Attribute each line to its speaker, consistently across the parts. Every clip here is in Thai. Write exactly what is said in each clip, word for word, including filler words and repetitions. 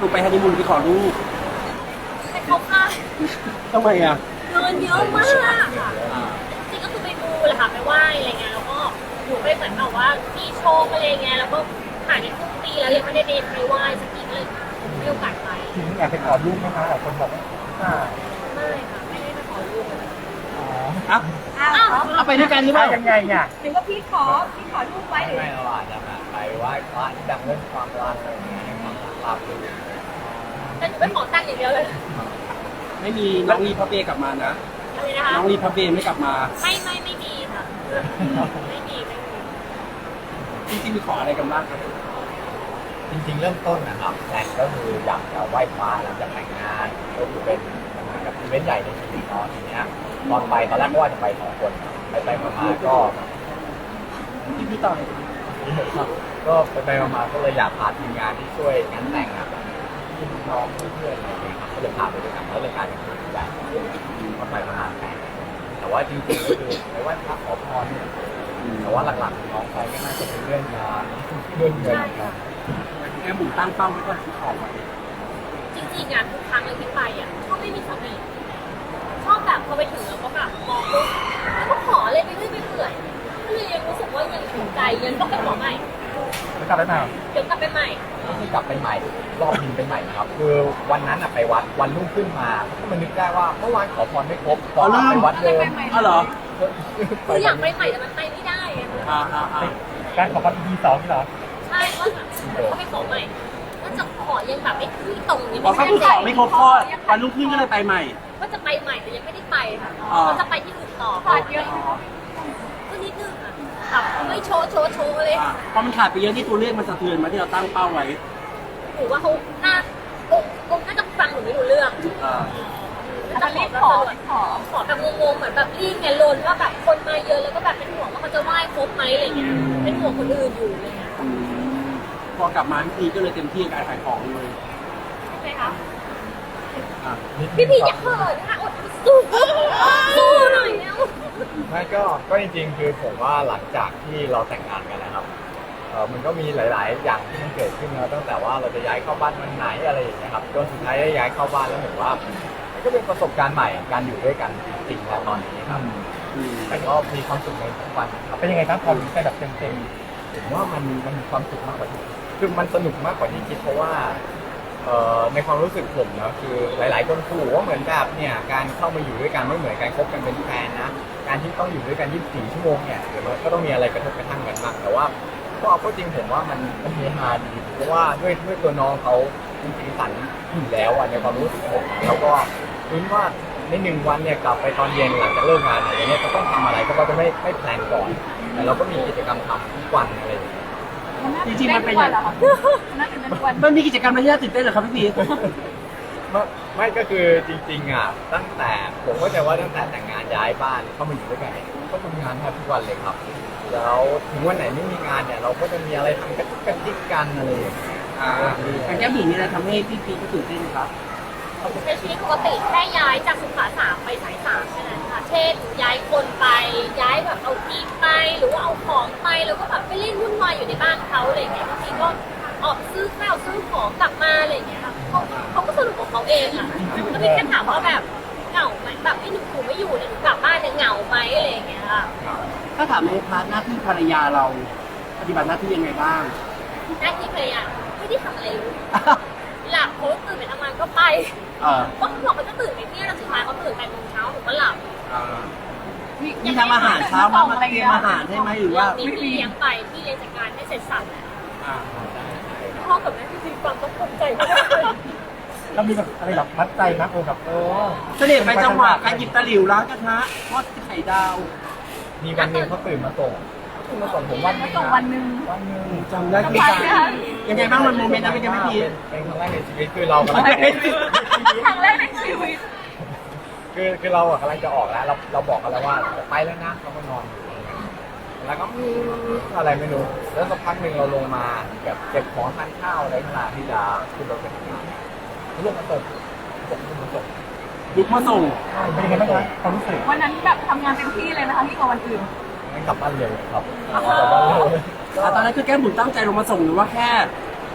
Speaker 1: ถูกไปฮันนีมูนไปขอลูก
Speaker 2: ไปเขาค่ะ
Speaker 1: ทำไมอ่ะ
Speaker 2: เงินเยอะมากค่ะจริงๆก็คือไปดูแหละค่ะไปไหว้อะไรเงี้ยแล้วก็หนูไปเหมือนแบบว่ามีโชว์อะไรเงี้ยแล้วก็ผ่านในครึ่งปีแล้วยังไม่ได้ไปไหว้สักทีเลยไม่โอกาสไป
Speaker 3: จริงๆอยากไปขอลูกไหมคะหลายคนบอกว่า
Speaker 2: ไม่ค่ะไม่ได้ไปขอลูก
Speaker 3: อ๋อ
Speaker 1: อ้าวเอาไปด้วยกันหรือเปล่า
Speaker 3: ยังไงเนี่ย
Speaker 2: หรือว่าพี่ขอพี่ขอลูกไว้หรือ
Speaker 4: ไม่เราอาจจะแบบไปไหว้พระที่ดังเรื่องความรักอะไรอย่างเงี้ยให้ความรักราบรื่น
Speaker 2: แต่หนูไปขอตังค์อย่างเดียวเลย
Speaker 1: ไม่มีน้องรีพับเบกลับมานะ
Speaker 2: อะไรนะคะ
Speaker 1: น้องรีพับเบไม่กลับมา
Speaker 2: ไม่ไม่ไม่มีค่ะไม่มีไม่มี
Speaker 1: จริงๆมีขออะไรกันบ้างครับ
Speaker 4: จริงๆเริ่มต้นนะครับแพลนก็คืออยากจะไหว้พระหลังจากแต่งงานก็คือเป็นเหมือนกับอีเวนต์ใหญ่ในชีวิตเนาะทีเนี้ยตอนไปตอนแรกก็ว่าจะไปสองคนไปไปมาๆก็
Speaker 1: พี่พี่ต่อย
Speaker 4: ก็ไปไปมาๆก็เลยอยากพาทีมงานที่ช่วยงานแต่งอ่ะพี่น้องเพื่อนๆอะไรอย่างเงี้ยครับก็เลยพาไปด้วยกันแล้วเลยกลายเป็นงานใหญ่ก็ไปประมาณแปดแต่ว่าจริงๆก็คือไปไหว้พระขอพรเนี่ยแต่ว่าหลักๆน้องไปก็น่าจะเป็นเรื่องงานเรื่องเงินครับ
Speaker 1: แกบุ๋มตั้งเป้าไว้ก่อนที่ขอไว้
Speaker 2: จริงๆงานทุกครั้งเลยที่ไปอ่ะชอบไม่มีสติชอบแบบพอไปถึงแล้วก็แบบมองปุ๊บแล้วก็ขอเลยไปเรื่อยไปเปื่อยก็เลยยังรู้สึกว่ายังถูกใจยังต้องไปขอใหม่
Speaker 3: จะกลับไปใหม่
Speaker 2: เดี๋ยวกลับไปใหม่
Speaker 4: ที่กลับไปใหม่รอบบินไปใหม่ครับคือวันนั้นอะไปวัดวันรุ่งขึ้นมาก็มานึกได้ว่าเมื่อวานขอพรไม่ครบขอไปวัดเดิม
Speaker 1: อ๋อเหรอ
Speaker 2: คืออยากไปใหม่แต่มันไปไม่ได้
Speaker 1: อ่าอ่าอ่า
Speaker 3: การขอพรทีสองนี่เหรอ
Speaker 2: ใช่ก็แบบก็ไปขอใหม่ก็จะขอยังแบบไม่ที่ตรงยัง
Speaker 1: ไม่
Speaker 2: ได้
Speaker 1: ขอไม่ครบข้อวันรุ่งขึ้นก็เลยไปใหม่
Speaker 2: ก็จะไปใหม่แต่ยังไม่ได้ไปค่ะก็จะไปที่อื่นต่อขาดเยอะก็นิดนึงอ่ะแบบไม่โชว์โชว์โชว์เลย
Speaker 1: พอมันขาดไปเยอะที่ตัวเลขมันสะเทือนมาที่เราตั้งเป้าไว้
Speaker 2: หนูว่าเขาน่าคงน่าจะฟังหนูไม่รู้เรื่องจะรีบขอขอขอแบบงงๆเหมือนแบบรีบไงลนว่าแบบคนมาเยอะแล้วก็แบบเป็นห่วงว่าเขาจะไหว้ครบไหมอะไรเงี้ยเป็นห่วงคนอื่นอยู่อะไรเงี้ย
Speaker 1: พอกลับมาพี่พีก็เลยเต็มที่การขายของเลย
Speaker 2: ใช่ไหมคะพี่พีอย่าเขินนะคะอดสู้สู้หน่อยแล้ว
Speaker 4: ไม่ก็ก็จริงๆคือผมว่าหลังจากที่เราแต่งงานกันนะครับเออมันก็มีหลายๆอย่างที่มันเกิดขึ้นแล้วตั้งแต่ว่าเราจะย้ายเข้าบ้านวันไหนอะไรอย่างเงี้ยครับจนสุดท้ายได้ย้ายเข้าบ้านแล้วเห็นว่ามันก็เป็นประสบการณ์ใหม่การอยู่ด้วยกันจริงๆแล้วตอนนี้ครับแต่ก็มีความสุขในทุกวันครับ
Speaker 3: เป็นยังไงครับพอรู้ไปแบบเต็ม
Speaker 4: ๆผมว่ามันมันมีความสุขมากกว่าที่คือมันสนุกมากกว่าที่คิดเพราะว่าในความรู้สึกผมนะคือหลายๆคนขู่ว่าเหมือนแบบเนี่ยการเข้ามาอยู่ด้วยกันไม่เหมือนการคบกันเป็นแฟนนะการที่ต้องอยู่ด้วยกันยี่สิบสี่ชั่วโมงเนี่ยเดี๋ยวมันก็ต้องมีอะไรกระทบกระทั่งกันบ้างแต่ว่าก็เอาจริงผมว่ามันมันเฮฮาดีเพราะว่าด้วยด้วยตัวน้องเขาจริงๆสันอยู่แล้วอ่ะในความรู้สึกผมแล้วก็คิดว่าในหนึ่งวันเนี่ยกลับไปตอนเย็นหลังจากเลิกงานอะไรเงี้ยจะต้องทำอะไรก็จะไม่ไม่แพลนก่อนแต่เราก็มีกิจกรรมทำทุกวันอะไรอย่างเงี้ย
Speaker 1: จริงๆมันเป็นอย่างมันมีกิจกรรมอะไรที่น่าตื่นเต้นเหรอครับพี่พี
Speaker 4: ไม่ไม่ก็คือจริงๆอ่ะตั้งแต่ผมก็จะว่าตั้งแต่แต่งงานย้ายบ้านเข้ามาอยู่ด้วยกันก็ทำงานแทบทุกวันเลยครับแล้วถึงวันไหนไม่มีงานเนี่ยเราก็จะมีอะไรทำกันกันจิกกันอะไรอย่างเงี้ย
Speaker 1: อ่าการแก้บิ่งนี่อะไรทำให้พี่พีก็ตื่นเต้นครับ
Speaker 2: ในชีวิตปกติแค่ย้ายจากสุขาสามไปสายสามแค่นั้นค่ะเช่นย้ายคนไปย้ายแบบเอาที่ไปหรือว่าเอาของไปแล้วก็แบบไปเล่นวุ่นวายอยู่ในบ้านเขาอะไรอย่างเงี้ยบางทีก็ออกซื้อข้าวซื้อของกลับมาอะไรอย่างเงี้ยเขาเขาก็สนุกของเขาเองอ่ะแล้วพี่แค่ถามว่าแบบเหงาไหมแบบไม่หนูหนูไม่อยู่เนี่ยหนูกลับบ้านเนี่ยเหงาไหมอะไรอย่างเงี้ยค่ะ
Speaker 1: ถ้าถามในพาร์ทหน้าที่ภรรยาเราปฏิบัติหน้าที่ยังไงบ้าง
Speaker 2: หน้าที่ภรรยาไม่ได้ทำอะไรเลยหลับเขาตื่นไปทำงานก็ไปก็เขาบอกเขาจะตื่นไปเที่ยงแล้วสุดท้ายเขาตื่นแปดโมงเช้าหนูก็หลับ
Speaker 1: มีทำอาหารเช้ามามาเตรียมอาหารให้ไหมหรือว่า
Speaker 2: พี่เลี้ยงไปพี่เลี้ยงจัดการให้เสร็จสับแล้วพ่อกับแม่พี่มีความต้องภูมิใจมาก
Speaker 3: เรามีแบบอะไรแบบมัดใจนะโอ้แบบเออ
Speaker 1: เสด็จไปจังหวะการหยิบตะหลิวล้างกระทะทอดไข่ดาว
Speaker 4: มีวันหนึ่งเขาตื่นมาส่งตื่นมาส่งผมวันนึง
Speaker 2: วันหนึ่ง
Speaker 4: วันหนึ่ง
Speaker 1: จำได้ที่การยังไงบ้างมันโมเมนต์นั้นเป็นยังไงพี่
Speaker 4: เป็นครั้งแรกในชีวิตคือเราครั้
Speaker 2: งแรกในชีวิต
Speaker 4: คือคือเราอะกำลังจะออกแล้วเราเราบอกกันแล้วว่าจะไปแล้วนะเขาก็นอนแล้วก็อะไรไม่รู้แล้วสักพักหนึ่งเราลงมาแบบเก็บของทานข้าวอะไรขนาดที่จะขึ้นรถไปทำงานลูกมาส่งส่งลูกมาส่ง
Speaker 1: ลูกมาส่ง
Speaker 3: เป็นยังไงบ้างคะความรู้สึก
Speaker 2: วันนั้นแบบทำงานเต็มที่เลยนะคะที่กว่าวันอื่น
Speaker 4: ไม่กลับบ้านเร็วครับกลับบ้านเร็ว
Speaker 1: ตอนนั้นคือแก้มบุ๋มตั้งใจลงมาส่งหรือว่าแค่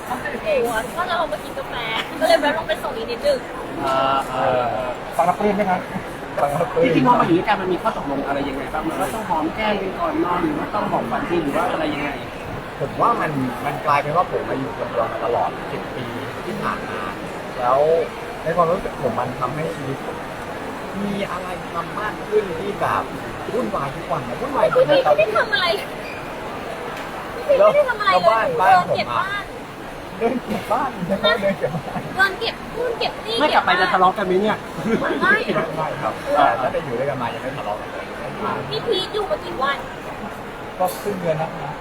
Speaker 2: โอ้โหก็เรามากินกาแฟก็เลยแวะลงไปส่งอีกนิดนึง
Speaker 1: เออเออเออ
Speaker 3: ฟังรับปลื้มไหมครับ
Speaker 1: จริงๆพอมาอยู่ด้วยกันมันมีข้อตกลงอะไรยังไงบ้างมันก็ต้องหอมแก้มกันก่อนนอนหรือว่าต้องบอกฝันดีหรือว่าอะไรยังไง
Speaker 4: ผมว่ามันมันกลายเป็นว่าผมมาอยู่คนเดียวมาตลอดสิบปีที่ผ่านมา แล้วในความรู้สึกผมมันทำให้ชีวิตผมมีอะไรทำมากขึ้นที่แบบวุ่นวายทุกวันนะวุ่นวาย
Speaker 2: พี่
Speaker 4: เล
Speaker 2: พี
Speaker 4: ย
Speaker 2: ไม่ได้ทำอะไรพี่พีไม่ได้ทำอะไรเลยหนูเดินเก็บบ้าน
Speaker 4: เดินเก็บบ้านใช่ไหมเดินเก็บบ้าน
Speaker 2: เดินเก็บนู่นเก็บนี่
Speaker 1: ไม่กลับไปจะทะเลาะกันไหมเนี่ย
Speaker 2: ไม่
Speaker 4: ไม่ครับแต่ถ้าได้อยู่ด้วยกันมายังไม่ทะเลาะกันเลย
Speaker 2: พี่พีอยู่มากี่วัน
Speaker 4: ก็ครึ่งเดือนนะครับ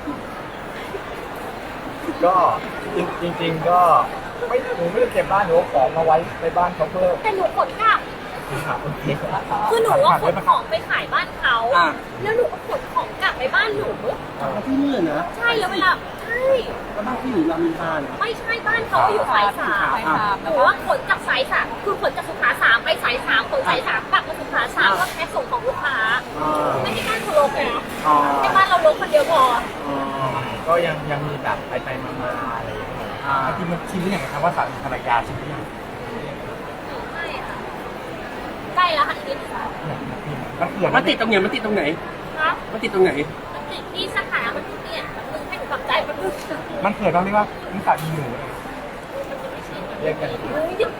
Speaker 4: ก็จริงๆก็ไม่หนูไม่ได้เก็บบ้านหนูเอาของมาไว้ในบ้านเขาเพิ่ม
Speaker 2: แต่หนูขนกลับ
Speaker 4: ครับโอเค
Speaker 2: คือหนูว่าขนของไปขายบ้านเขา
Speaker 1: อ่ะ
Speaker 2: แล้วหนูก็ขนของกลับไปบ้านหนู
Speaker 1: แล้วที่นี่นะ
Speaker 2: ใช่แล้วเวลาใช่
Speaker 1: แล้วบ้านที่อยู่รามินทราเนี่ย
Speaker 2: ไม่ใช่บ้านเขาอยู่สายสามหนูว่าขนจากสายสามคือขนจากสุขาสามไปสายสามขนสายสามกลับมาสุขาสามก็แค่ส่งของลูกค้า
Speaker 1: อ๋อ
Speaker 2: ไม่ใช่บ้านเขาลกไง
Speaker 1: อ๋อ
Speaker 2: แค่บ้านเราลกคนเดียวพอ
Speaker 1: อ๋อ
Speaker 4: ก็ยังยังมีแบบไปไปๆมาๆอะไรอย่างเงี้ย
Speaker 1: อ่า
Speaker 3: จริงมันชินหรือยังครับว่าสามีภรรยาชินหรือยัง
Speaker 2: ไม่ค่ะใกล้แล้วค่ะอีกนิดนึง
Speaker 3: มันเกิด
Speaker 1: มันติดตรงไหนมันติดตรงไหน
Speaker 2: ครับ
Speaker 1: มันติดตรงไหน
Speaker 2: มันติดที่สาขามันเปลี่ยนมันมึงให้หนูทำใจมันมึง
Speaker 3: มันเกิดเราเรียกว่านิสัยมีหนู
Speaker 2: มันจะไม่ชิน
Speaker 4: เรียกกัน
Speaker 2: เฮ้ย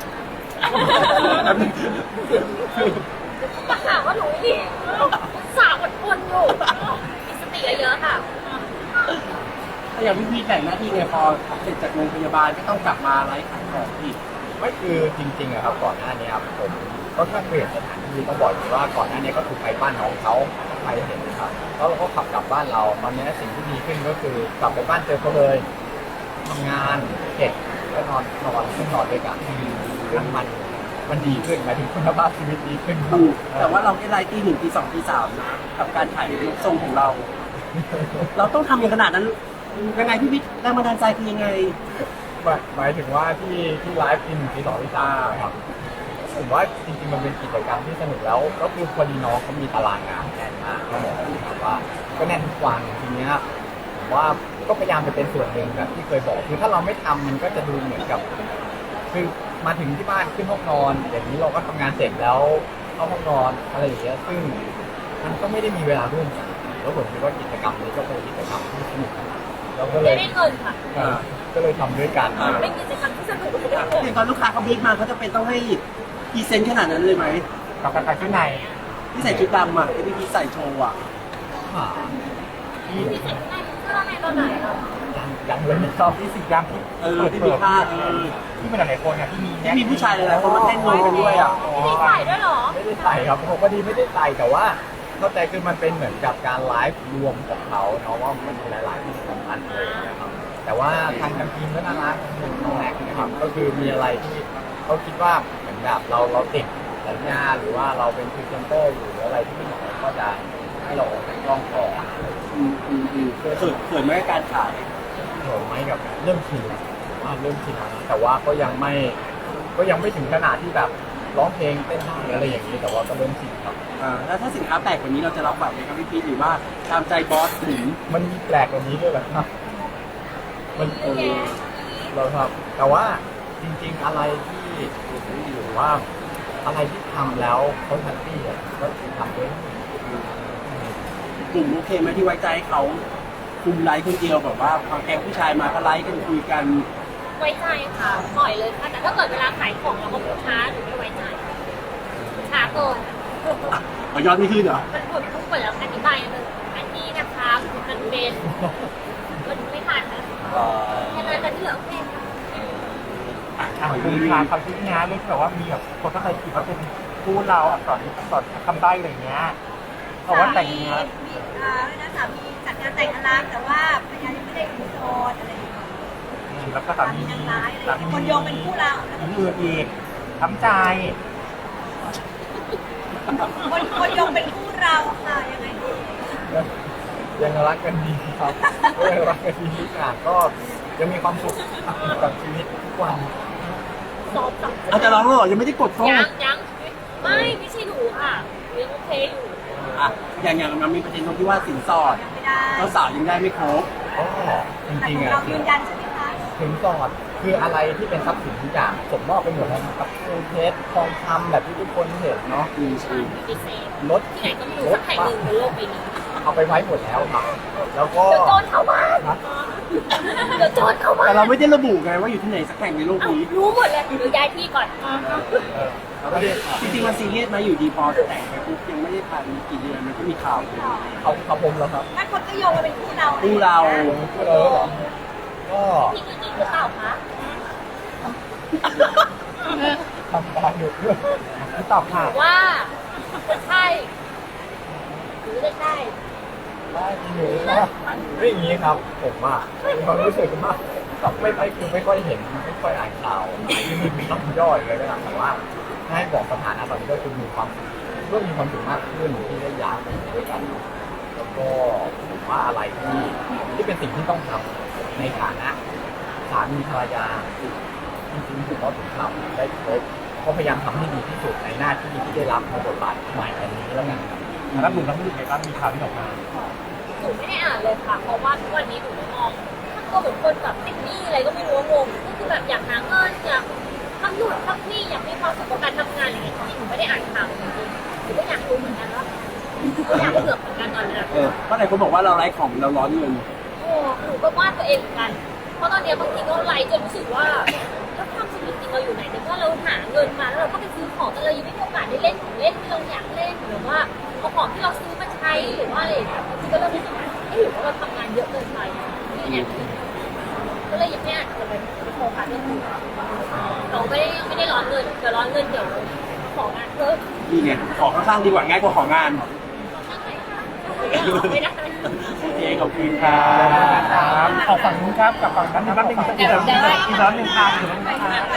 Speaker 2: มาหาว่าหนูนี่สาวอดทนอยู่มีสติเยอะๆค่ะ
Speaker 1: ถ้าอย่างพี่พี่แบ่งหน้าที่ไงพอเสร็จจากโรงพยาบาลก็ต้องกลับมาไลฟ์ขายของอีก
Speaker 4: ไม่คือจริงๆอะครับก่อนหน้านี้ครับผมก็แค่เปลี่ยนสถานที่ต้องบอกอย่างนี้ว่าก่อนหน้านี้ก็ถูกไปบ้านน้องเขาไปเห็นนะครับแล้วเราก็ขับกลับบ้านเราตอนนี้สิ่งที่ดีขึ้นก็คือกลับไปบ้านเจอเขาเลยทำงานเก็บแล้วนอนนอนขึ้นนอนด้วยกันซึ่งมันมันดีขึ้นหมายถึงคุณภาพชีวิตดีขึ้นครับ
Speaker 1: ถูกแต่ว่าเราได้ไลฟ์ตีหนึ่งตีสองตีสามนะกับการถ่ายรูปทรงของเรา เราต้องทำอย่างขนาดนั้นยังไงพี่พี่แรงบันดาลใจคือยังไง
Speaker 4: หมายหมายถึงว่าที่ที่ไลฟ์ทีหนึ่งทีสองทีสามครับผมว่าจริงๆมันเป็นกิจกรรมที่สนุกแล้วก็คือพอดีน้องเขามีตารางงานแน่นมากก็บอกนะครับว่าก็แน่นทุกวันทีเนี้ยผมว่าก็พยายามจะเป็นส่วนหนึ่งแบบที่เคยบอกคือถ้าเราไม่ทำมันก็จะดูเหมือนกับ คือมาถึงที่บ้านขึ้นห้องนอนอย่างนี้เราก็ทำงานเสร็จแล้วเข้าห้องนอนอะไรอย่างเงี้ยซึ่งมันก็ไม่ได้มีเวลาร่วมกันแล้วผมคิดว่ากิจกรรมนี้ก็เป็นกิจกรรมที่สนุกเราก็เล
Speaker 2: จะ
Speaker 4: ย
Speaker 2: ได้เงินค่ะ
Speaker 4: เออก็เลยทำด้วยกัน
Speaker 2: เป็นกิจกรรมที่สนุกเลย
Speaker 1: อย่างตอนลูกค้าเขาบีบมาเขาจะเป็นต้องให้พรีเซนต์ขนาดนั้นเลยไหม
Speaker 3: กับการแต่งชุดใน
Speaker 1: ที่ใส่ชุดดำอ่ะที่พี่พีใส่โชว์อ่ะ
Speaker 4: อ่า
Speaker 2: พิเศษง่ายก็ในตอนไหนเรา
Speaker 4: ยังยังเลยไม่ชอบ
Speaker 3: ที่สีดำที่
Speaker 1: เออที่มีผ้าเออ
Speaker 3: ที่เป็นหลายๆคนเนี่ยที่มี
Speaker 1: ที่มีผู้ชายหลายๆคนมาเต้นรวมกันด้วยอ่ะ
Speaker 2: พี่ใส่ด้วยเหรอ
Speaker 4: ไม่ได้ใส่ครับผมพอดีไม่ได้ใส่แต่ว่าเข้าใจคือมันเป็นเหมือนกับการไลฟ์รวมของเขาเนาะว่ามันมีหลายๆที่สำคัญเลยนะครับแต่ว่าทางทางทีมก็น่ารักน้องแม็กซ์นะครับก็คือมีอะไรที่เขาคิดว่าเหมือนแบบเราเราติดสัญญาหรือว่าเราเป็นพรีเซนเตอร์อยู่หรืออะไรที่พี่หมอก็จะให้เราออกจากกล้องก่อน
Speaker 1: อืมอืมอืมเขินเขินไหมกับการขาย
Speaker 4: เขินไหมกับเริ่มชินแล้วผมว่าเริ่มชินแล้วนะแต่ว่าก็ยังไม่ก็ยังไม่ถึงขนาดที่แบบร้องเพลงเต้นได้อะไรอย่างนี้แต่ว่าก็เริ่มชินครับ
Speaker 1: อ่าแล้วถ้าสินค้าแปลกกว่านี้เราจะรับแบบไหมครับพี่พีชหรือว่าตามใจบอสถึง
Speaker 4: มันมีแปลกกว่านี้ด้วยเหรอครับมัน
Speaker 2: เยอะแยะ
Speaker 4: เราครับ แต่ว่าจริงๆอะไรที่หรือว่าอะไรที่ทำแล้วเขาแฮปปี้อ่ะก็ทำด้วย
Speaker 1: กลุ่มโอเคไหมที่ไว้ใจให้เขาคุมไลฟ์คนเดียวแบบว่าพอแก๊งผู้ชายมาก็ไลฟ์กันคุยกัน
Speaker 2: ไว้ใจค่ะปล่อยเลยค่ะแต่ถ้าเกิดเวลาขายของเราก็พูดช้าหรือไม่ไว้ใจช้าเกิน
Speaker 1: อ่ะเอายอดไม่ขึ้นเหรอ
Speaker 2: มันพูดทุกคนแล้วอธิบายเลยอันนี้นะคะมันเป็นมันไม่ทันนะแค่นั้นแต่ที่เหลือโอเค
Speaker 3: อ่ะคือคำคำที่งานเรื่องที่แบบว่ามีแบบคนเข้าใจผิดว่าเป็นคู่เราอักษรอักษรคำใบ้อะไรอย่างเงี้ยเพราะว่าแต่งงาน
Speaker 5: มีอ่านะสามีจัดงานแต่งอลังแต่ว่าภรรยายังไม่ได้อยู่โสดอะไรอย่างเงี้ย
Speaker 3: แล้วก็สา
Speaker 5: สามี
Speaker 3: มี
Speaker 5: นางร้ายอะไร
Speaker 3: สา
Speaker 5: อย่าง
Speaker 3: มี
Speaker 5: เงี้ยคนโยงเป็นคู่เรา
Speaker 3: คนอื่นอีกทำใจ
Speaker 5: คนคนโยงเป็นคู่เราค่ะยังไงดี
Speaker 4: ยังรักกันดีครับก็ยังรักกันดีทุกอย่างก็ยังมีความสุขกับชีวิตทุกวัน
Speaker 2: สอบสับ
Speaker 1: อาจจะร้องแล้วเหรอยังไม่ได้กดโซ่
Speaker 2: ยังยังไม่ไม่ใช่หนูค่ะยังโอเคอยู่
Speaker 1: อ่ะอย่างอย่างมันมีประเด็นตรงที่ว่าสินสอด
Speaker 5: ไม่ได้
Speaker 1: เจ้าสาวยังได้ไม่ครบ
Speaker 4: ก็จ
Speaker 5: แต่
Speaker 4: ริง
Speaker 5: ข
Speaker 4: ๆ
Speaker 5: อง
Speaker 4: อ่ะ
Speaker 5: เรายืนยันใช่ไหมคะ
Speaker 4: สินสอดคืออะไรที่เป็นทรัพย์สินทุกอย่างส่งมอบไปหมดแล้วนะครับคือเพชรทองคำแบบที่ทุกคนเห็นเนาะ
Speaker 1: อืม
Speaker 2: ใช่มีดีเซล
Speaker 4: รถ
Speaker 2: ที่ไหนก็ไม่รู้สักแห่งหนึ่งบนโลกใบนี้
Speaker 4: เอาไปไว้หมดแล้วครับแล้วก็
Speaker 2: เดี๋ยวโจรเข้าบ้านเดี๋ยวโจรเข้าบ้า
Speaker 1: แต่
Speaker 2: น
Speaker 1: เราไม่ได้ระบุไงว่าอยู่ที่ไหนสักแห่งในโลก
Speaker 2: เอ้า
Speaker 1: นี้
Speaker 2: รู้หมดเลยเดี๋ยวย้ายที่ก่อน
Speaker 1: จริงๆมันซีเรียสไหมอยู่ดีพอแต่งไปปุ๊บยังไม่ได้ผ่านกี่เดือนมันก็มีข่าว
Speaker 4: เอาเขาผมแล้วครับ
Speaker 5: ถ้าคนก็โยงมาเป็นคู่เรา
Speaker 1: คู่เรา
Speaker 4: เออเหรอก็
Speaker 2: พี่จริงๆหรือเปล่าคะ
Speaker 3: ทำตามอยู่ด้วยตอบค่ะ
Speaker 2: ว่าจะใช่หรือจะใช่
Speaker 4: ได้หนูว่าไม่อย่างนี้ครับ ผมว่ามีความรู้สึกว่าไม่ไม่คือไม่ค่อยเห็นไม่ค่อยอ่านข่าวที่มีคำย่อยเลยก็ตามแต่ว่าถ้าให้บอกสถานะตอนนี้ก็คือมีความเริ่มมีความสุขมากขึ้นที่ได้ย้ายไปอยู่ด้วยกัน แล้วก็ผมว่าอะไรที่ที่เป็นสิ่งที่ต้องทำในฐานะสามีภรรยาจริงๆผมว่าผมทำได้ครบก็พยายามทำให้ดีที่สุดในหน้าที่ที่ได้รับในบทบาทใหม่อันนี้แล้วกันครับ
Speaker 3: แล้วหนูรับรู้สึกไงบ้างมีข่าวที่ออกมา
Speaker 2: หนูไม่ได้อ่านเลยค่ะ เพราะว่าทุกวันนี้หนูไม่มองถ้าตัวเหมือนคนแบบติดหนี้อะไรก็ไม่รู้ว่างงก็คือแบบอยากหาเงินอยากทำนู่นทำนี่อยากมีความสุขกับการทำงานอะไรอย่างเงี้ยจริงๆหนูไม่ได้อ่านข่าวจริงๆหนูก็อยากรู้เหมือนกันว่าอยากเผือกเหมือนกันตอนนี้
Speaker 1: เออเพราะหลายคนบอกว่าเราไร้ของเราร้อนเงิน
Speaker 2: โอ้หนูก็วาดตัวเองเหมือนกัน เพราะตอนเนี้ยบางทีก็ไลฟ์จนรู้สึกว่าแล้วความสุขจริงๆเราอยู่ไหนในเมื่อเราหาเงินมาแล้วเราก็ไปซื้อของแต่เรายังไม่มีโอกาสได้เล่นของเล่นที่เราอยากเล่นหรือว่าเอาของที่เราซื้อมาใช้หรือว่าอะไรอย่างเงี้ยบางทีก็เริ่มรู้สึกว่าเอ๊ะหรือว่าเราทำงานเยอะเกินไปนี่เนี่ยก็เลยยังไม่อาจจะไปโฟกัสเรื่องอื่นเราไม่ได้ไม่ได้ร้อนเงินแต่ร้อนเงินเดี๋ยวของงานเพิ่ม
Speaker 1: นี่ไงขอข้างๆดีกว่าง่ายกว่าของาน
Speaker 2: ไม่ได้
Speaker 1: โอเคขอบคุณครั
Speaker 3: ครับ บขอฝั่งนู้นครับกับฝั่งนั้นนะครับเป็นอีกแล้วหนึ่งอีกแล้วหนึ่งครับอีกแล้วหนึ่งครับ